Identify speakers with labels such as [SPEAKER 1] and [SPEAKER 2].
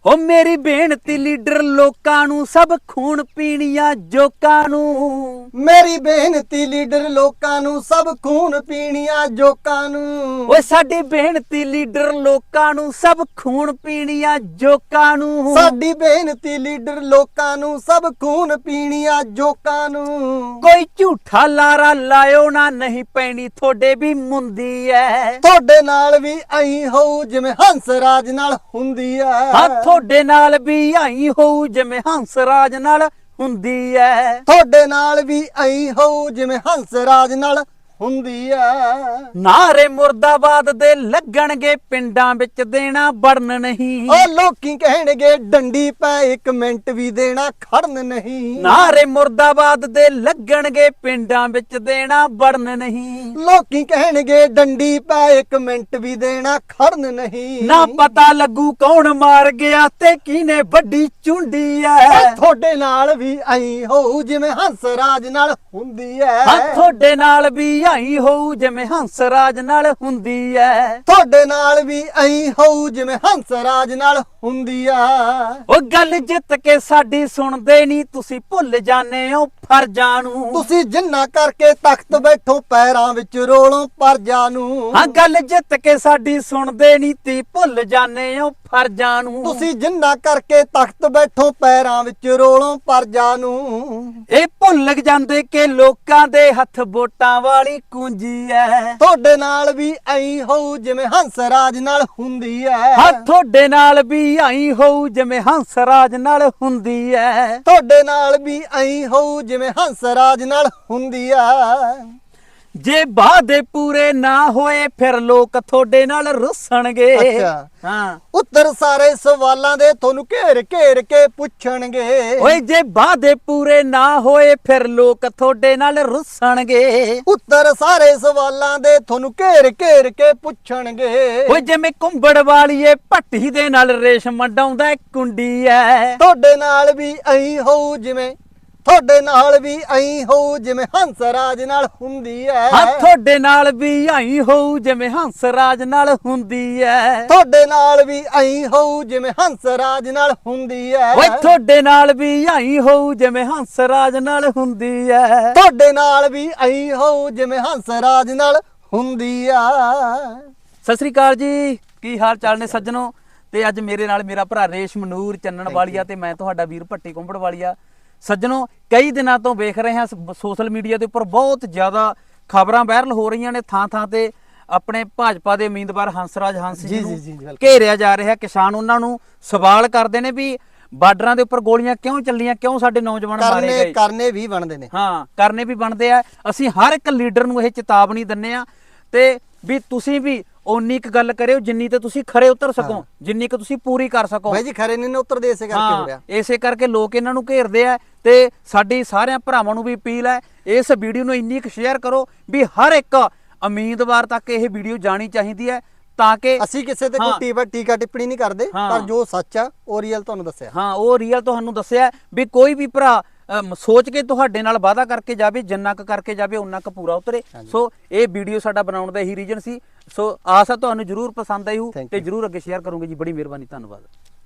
[SPEAKER 1] ओ मेरी बेनती लीडर लोकां नू सब खून पीणिया जोकां नू।
[SPEAKER 2] मेरी बेनती लीडर लोकां नू सब खून पीणिया जोकां नू।
[SPEAKER 1] ओए साडी बेनती लीडर लोकां नू सब खून पीणिया जोकां नू।
[SPEAKER 2] साडी बेनती लीडर लोकां नू सब खून पीणिया जोकां नू।
[SPEAKER 1] कोई झूठा लारा लायो ना नहीं पैनी थोड़े भी मुंदी है।
[SPEAKER 2] ਤੁਹਾਡੇ ਨਾਲ ਵੀ ਐਂ ਹੋਊ ਜਿਵੇਂ ਹੰਸ ਰਾਜ ਨਾਲ ਹੁੰਦੀ ਐ।
[SPEAKER 1] हाँ थोड़े नाल भी आई होऊ जिवें हंस राज नाल हुंदी है।
[SPEAKER 2] ਤੁਹਾਡੇ ਨਾਲ ਵੀ ਐਂ ਹੋਊ ਜਿਵੇਂ ਹੰਸ ਰਾਜ ਨਾਲ ਹੁੰਦੀ ਐ।
[SPEAKER 1] नारे मुर्दाबाद दे लगणगे पिंडां विच देना बढ़न नहीं।
[SPEAKER 2] ਓ ਲੋਕੀ ਕਹਿਣਗੇ ਡੰਡੀ ਪੈ 1 ਮਿੰਟ ਵੀ ਦੇਣਾ ਖੜਨ ਨਹੀਂ।
[SPEAKER 1] नारे मुर्दाबाद दे लगणगे पिंडां विच देना बढ़न नहीं।
[SPEAKER 2] ਲੋਕੀ ਕਹਿਣਗੇ ਡੰਡੀ ਪੈ 1 ਮਿੰਟ ਵੀ ਦੇਣਾ ਖੜਨ ਨਹੀਂ।
[SPEAKER 1] ना पता लगू कौन मार गया ते किने बड़ी चुंडी है।
[SPEAKER 2] ਤੁਹਾਡੇ ਨਾਲ ਵੀ ਐਂ ਹੋਊ ਜਿਵੇਂ ਹੰਸ ਰਾਜ ਨਾਲ ਹੁੰਦੀ ਐ।
[SPEAKER 1] हाँ थोड़े नाल भी आई होऊ जिवें हंस राज नाल हुंदी है।
[SPEAKER 2] ਤੁਹਾਡੇ ਨਾਲ ਵੀ ਐਂ ਹੋਊ ਜਿਵੇਂ ਹੰਸ ਰਾਜ ਨਾਲ ਹੁੰਦੀ ਆ।
[SPEAKER 1] ਉਹ ਗੱਲ ਜਿੱਤ ਕੇ ਸਾਡੀ ਸੁਣਦੇ ਨਹੀਂ ਤੁਸੀਂ ਭੁੱਲ ਜਾਂਦੇ ਹੋ ਫਰਜ਼ਾਂ ਨੂੰ।
[SPEAKER 2] ਤੁਸੀਂ ਜਿੰਨਾ ਕਰਕੇ ਤਖਤ ਬੈਠੋ ਪੈਰਾਂ ਵਿੱਚ ਰੋਲੋਂ ਪਰਜਾ ਨੂੰ।
[SPEAKER 1] ਹਾਂ ਗੱਲ ਜਿੱਤ ਕੇ ਸਾਡੀ ਸੁਣਦੇ ਨਹੀਂ ਤੀ ਭੁੱਲ ਜਾਂਦੇ ਹੋ ਫਰਜ਼ਾਂ ਨੂੰ।
[SPEAKER 2] ਤੁਸੀਂ ਜਿੰਨਾ ਕਰਕੇ ਤਖਤ ਬੈਠੋ ਪੈਰਾਂ ਵਿੱਚ ਰੋਲੋਂ ਪਰਜਾ ਨੂੰ।
[SPEAKER 1] ਇਹ ਭੁੱਲ ਜਾਂਦੇ ਕਿ ਲੋਕਾਂ ਦੇ ਹੱਥ ਵੋਟਾਂ ਵਾਲੀ ਕੁੰਜੀ ਐ।
[SPEAKER 2] ਤੁਹਾਡੇ ਨਾਲ ਵੀ ਐਂ ਹੋਊ ਜਿਵੇਂ ਹੰਸ ਰਾਜ ਨਾਲ ਹੁੰਦੀ ਐ।
[SPEAKER 1] ਹਾਂ ਤੁਹਾਡੇ ਨਾਲ ਵੀ ਆਈ ਹੋਊ ਜਿਵੇਂ ਹੰਸ ਰਾਜ ਨਾਲ ਹੁੰਦੀ ਐ।
[SPEAKER 2] ਤੁਹਾਡੇ ਨਾਲ ਵੀ ਐਂ ਹੋਊ ਜਿਵੇਂ ਹੰਸ ਰਾਜ ਨਾਲ ਹੁੰਦੀ ਆ।
[SPEAKER 1] ਜੇ ਵਾਅਦੇ ਪੂਰੇ ਨਾ ਹੋਏ ਫਿਰ ਲੋਕ ਤੁਹਾਡੇ ਨਾਲ ਰੁੱਸਣਗੇ।
[SPEAKER 2] ਅੱਛਾ।
[SPEAKER 1] ਹਾਂ
[SPEAKER 2] ਉੱਤਰ ਸਾਰੇ ਸਵਾਲਾਂ ਦੇ ਤੁਹਾਨੂੰ ਘੇਰ ਘੇਰ ਕੇ ਪੁੱਛਣਗੇ।
[SPEAKER 1] ਓਏ ਜੇ ਵਾਅਦੇ ਪੂਰੇ ਨਾ ਹੋਏ ਫਿਰ ਲੋਕ ਤੁਹਾਡੇ ਨਾਲ ਰੁੱਸਣਗੇ।
[SPEAKER 2] ਉੱਤਰ ਸਾਰੇ ਸਵਾਲਾਂ ਦੇ ਤੁਹਾਨੂੰ ਘੇਰ ਘੇਰ ਕੇ ਪੁੱਛਣਗੇ।
[SPEAKER 1] ਓਏ ਜਿਵੇਂ ਕੁੰਬੜ ਵਾਲੀਏ ਭੱਟੀ ਦੇ ਨਾਲ ਰੇਸ਼ਮ ਡਾਉਂਦਾ ਕੁੰਡੀ ਐ।
[SPEAKER 2] ਤੁਹਾਡੇ ਨਾਲ ਵੀ ਐਂ ਹੋਊ ਜਿਵੇਂ ਤੁਹਾਡੇ ਨਾਲ ਵੀ ਐਂ ਹੋਊ ਜਿਵੇਂ ਹੰਸ ਰਾਜ ਨਾਲ ਹੁੰਦੀ ਐ।
[SPEAKER 1] ਹਾਂ ਤੁਹਾਡੇ ਨਾਲ ਵੀ ਆਈ ਹੋਊ ਜਿਵੇਂ ਹੰਸ ਰਾਜ ਨਾਲ ਹੁੰਦੀ ਐ।
[SPEAKER 2] ਤੁਹਾਡੇ ਨਾਲ ਵੀ ਐਂ ਹੋਊ ਜਿਵੇਂ ਹੰਸ ਰਾਜ ਨਾਲ ਹੁੰਦੀ ਐ।
[SPEAKER 1] ਓਏ ਤੁਹਾਡੇ ਨਾਲ ਵੀ ਆਈ ਹੋਊ ਜਿਵੇਂ ਹੰਸ ਰਾਜ ਨਾਲ ਹੁੰਦੀ ਐ।
[SPEAKER 2] ਤੁਹਾਡੇ ਨਾਲ ਵੀ ਐਂ ਹੋਊ ਜਿਵੇਂ ਹੰਸ ਰਾਜ ਨਾਲ ਹੁੰਦੀ ਆ।
[SPEAKER 1] ਸਤਿ ਸ੍ਰੀ ਅਕਾਲ ਜੀ, ਕੀ ਹਾਲ ਚਾਲ ਨੇ ਸੱਜਣੋ। ਤੇ ਅੱਜ ਮੇਰੇ ਨਾਲ ਮੇਰਾ ਭਰਾ ਰੇਸ਼ਮ ਨੂਰ ਚੰਨਣ ਵਾਲੀਆ ਤੇ ਮੈਂ ਤੁਹਾਡਾ ਵੀਰ ਭੱਟੀ ਕੁੰਬੜ ਵਾਲੀਆ। ਸੱਜਣੋ ਕਈ ਦਿਨਾਂ ਤੋਂ ਵੇਖ ਰਹੇ ਹਾਂ ਸੋਸ਼ਲ ਮੀਡੀਆ ਦੇ ਉੱਪਰ ਬਹੁਤ ਜ਼ਿਆਦਾ ਖਬਰਾਂ ਵਾਇਰਲ ਹੋ ਰਹੀਆਂ ਨੇ। ਥਾਂ ਥਾਂ ਤੇ ਆਪਣੇ ਭਾਜਪਾ ਦੇ ਉਮੀਦਵਾਰ ਹੰਸਰਾਜ ਹੰਸ ਜੀ ਨੂੰ ਘੇਰਿਆ ਜਾ ਰਿਹਾ। ਕਿਸਾਨ ਉਹਨਾਂ ਨੂੰ ਸਵਾਲ ਕਰਦੇ ਨੇ ਵੀ ਬਾਰਡਰਾਂ ਦੇ ਉੱਪਰ ਗੋਲੀਆਂ ਕਿਉਂ ਚੱਲੀਆਂ, ਕਿਉਂ ਸਾਡੇ ਨੌਜਵਾਨ ਮਾਰੇ ਗਏ।
[SPEAKER 2] ਕਰਨੇ ਵੀ ਬਣਦੇ ਨੇ।
[SPEAKER 1] ਹਾਂ ਕਰਨੇ ਵੀ ਬਣਦੇ ਆ। ਅਸੀਂ ਹਰ ਇੱਕ ਲੀਡਰ ਨੂੰ ਇਹ ਚੇਤਾਵਨੀ ਦਿੰਨੇ ਆ ਤੇ ਵੀ ਤੁਸੀਂ ਵੀ ਉਨੀ ਕੁ ਗੱਲ ਕਰਿਓ ਜਿੰਨੀ ਤੇ ਤੁਸੀਂ ਖਰੇ ਉਤਰ ਸਕੋ, ਜਿੰਨੀ ਕੁ ਤੁਸੀਂ ਪੂਰੀ ਕਰ ਸਕੋ।
[SPEAKER 2] ਬਾਈ ਜੀ ਖਰੇ ਨਹੀਂ ਉਤਰਦੇ ਇਸੇ ਕਰਕੇ ਹੋ ਰਿਹਾ।
[SPEAKER 1] ਇਸੇ ਕਰਕੇ ਲੋਕ ਇਹਨਾਂ ਨੂੰ ਘੇਰਦੇ ਆ। ਤੇ ਸਾਡੀ ਸਾਰਿਆਂ ਭਰਾਵਾਂ ਨੂੰ ਵੀ ਅਪੀਲ ਹੈ ਇਸ ਵੀਡੀਓ ਨੂੰ ਇੰਨੀ ਕੁ ਸ਼ੇਅਰ ਕਰੋ ਵੀ ਹਰ ਇੱਕ ਉਮੀਦਵਾਰ ਤੱਕ ਇਹ ਵੀਡੀਓ ਜਾਣੀ ਚਾਹੀਦੀ ਹੈ ਤਾਂ ਕਿ
[SPEAKER 2] ਅਸੀਂ ਕਿਸੇ ਤੇ ਕੋਈ ਟੀਕਾ ਟਿੱਪਣੀ ਨਹੀਂ ਕਰਦੇ ਪਰ ਜੋ ਸੱਚ ਆ ਉਹ ਰੀਅਲ ਤੁਹਾਨੂੰ ਦੱਸਿਆ।
[SPEAKER 1] ਹਾਂ ਉਹ ਰੀਅਲ ਤੁਹਾਨੂੰ ਦੱਸਿਆ ਵੀ ਕੋਈ ਵੀ ਭਰਾ ਸੋਚ ਕੇ ਤੁਹਾਡੇ ਨਾਲ ਵਾਅਦਾ ਕਰਕੇ ਜਾਵੇ, ਜਿੰਨਾ ਕੁ ਕਰਕੇ ਜਾਵੇ ਉਨਾ ਕੁ ਪੂਰਾ ਉਤਰੇ। ਸੋ ਇਹ ਵੀਡੀਓ ਸਾਡਾ ਬਣਾਉਣ ਦਾ ਇਹੀ ਰੀਜਨ ਸੀ। ਸੋ ਆਸ ਆ ਤੁਹਾਨੂੰ ਜਰੂਰ ਪਸੰਦ ਆਈ ਹੋ ਤੇ ਜਰੂਰ ਅੱਗੇ ਸ਼ੇਅਰ ਕਰੋਗੇ ਜੀ। ਬੜੀ ਮਿਹਰਬਾਨੀ, ਧੰਨਵਾਦ।